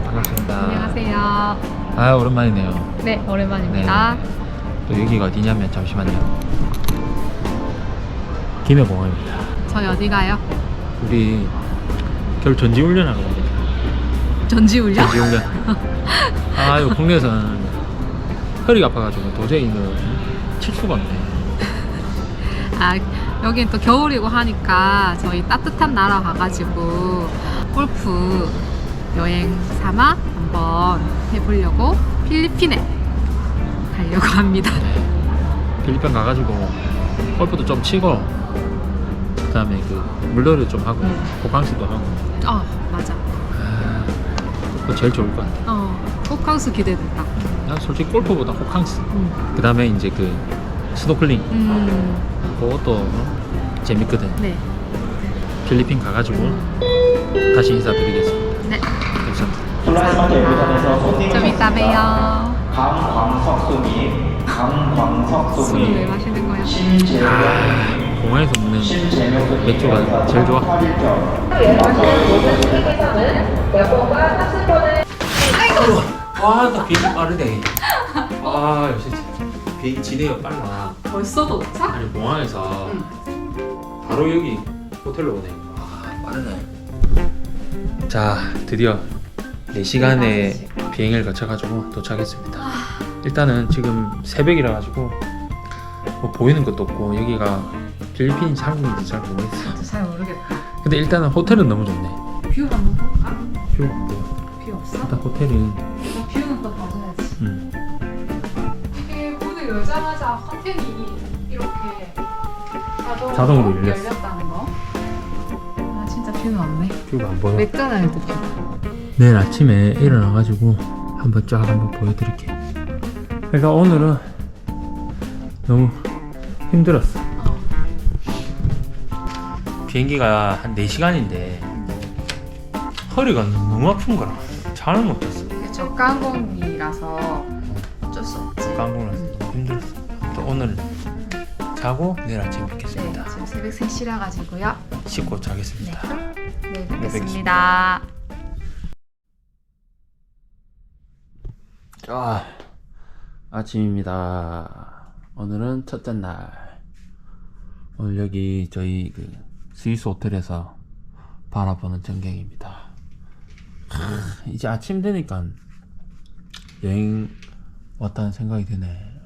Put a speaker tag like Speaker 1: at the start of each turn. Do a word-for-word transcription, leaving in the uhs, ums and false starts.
Speaker 1: 반갑습니다.
Speaker 2: 안녕하세요.
Speaker 1: 아, 오랜만이네요.
Speaker 2: 네, 오랜만입니다.
Speaker 1: 네. 또 여기가 어디냐면 잠시만요. 김해공항입니다.
Speaker 2: 저희 어디 가요?
Speaker 1: 우리 겨울 전지훈련하러 갑니다.
Speaker 2: 전지훈련?
Speaker 1: 전지훈련. 아, 이거 국내에서는 허리가 아파가지고 도저히 이거 칠 수가 없네.
Speaker 2: 아, 여긴 또 겨울이고 하니까 저희 따뜻한 나라 가가지고 골프 여행 삼아 한번 해보려고 필리핀에 가려고 합니다.
Speaker 1: 필리핀 가가지고 골프도 좀 치고 그 다음에 그 물놀이도 좀 하고
Speaker 2: 응.
Speaker 1: 호캉스도 하고.
Speaker 2: 어, 맞아.
Speaker 1: 아, 그거 제일 좋을 것 같아.
Speaker 2: 어, 호캉스 기대된다.
Speaker 1: 난 솔직히 골프보다 호캉스.
Speaker 2: 응.
Speaker 1: 그 다음에 이제 그 스노클링
Speaker 2: 음,
Speaker 1: 그것도 어? 재밌거든.
Speaker 2: 네.
Speaker 1: 필리핀 가가지고 다시 인사드리겠습니다.
Speaker 2: 네.
Speaker 1: 감사합니다.
Speaker 2: 좀 이따 봬요.
Speaker 3: 강광석수님, 강광석수님,
Speaker 2: 술을 왜 마시는 거예요?
Speaker 1: 아, 공항에서 먹는 맥주가 제일 좋아. 와, 나 비행기 빠르네. 아, 역시 비행기 지네요, 빨라.
Speaker 2: 벌써 도착?
Speaker 1: 아니, 공항에서
Speaker 2: 응.
Speaker 1: 바로 여기 호텔로 오네. 아, 빠르네. 자, 드디어 네 시간의 비행을 거쳐가지고 도착했습니다. 일단은 지금 새벽이라 가지고 뭐 보이는 것도 없고 여기가 필리핀인지 한국인지 잘 모르겠어.
Speaker 2: 진짜 잘 모르겠다.
Speaker 1: 근데 일단은 호텔은 너무 좋네.
Speaker 2: 뷰 한번 볼까?
Speaker 1: 뷰가 안 보여.
Speaker 2: 뷰 없어?
Speaker 1: 일단 호텔은
Speaker 2: 너 뷰는 또 봐줘야지.
Speaker 1: 음.
Speaker 2: 이게 문을 열자마자 커튼이 이렇게 자동으로,
Speaker 1: 자동으로 열렸어.
Speaker 2: 열렸다는 거. 아, 진짜 뷰는 없네.
Speaker 1: 뷰가 안 보여.
Speaker 2: 맥도날드 뷰.
Speaker 1: 내일 아침에 일어나가지고 한번 쫙 한번 보여드릴게. 그러니까 오늘은 너무 힘들었어.
Speaker 2: 어.
Speaker 1: 비행기가 한 네 시간인데 허리가 너무 아픈 거라 잠을 못 잤어.
Speaker 2: 이게 저가 항공이라서 어쩔 수 없지.
Speaker 1: 깜깜해서 너무 힘들었어. 또 오늘 자고 내일 아침에
Speaker 2: 네,
Speaker 1: 뵙겠습니다.
Speaker 2: 지금 새벽 세 시라 가지고요.
Speaker 1: 씻고 자겠습니다.
Speaker 2: 네,
Speaker 1: 뵙겠습니다.
Speaker 2: 뵙겠습니다.
Speaker 1: 아, 아침입니다. 오늘은 첫째 날. 오늘 여기 저희 그 스위스 호텔에서 바라보는 전경입니다. 하, 이제 아침 되니까 여행 왔다는 생각이 드네.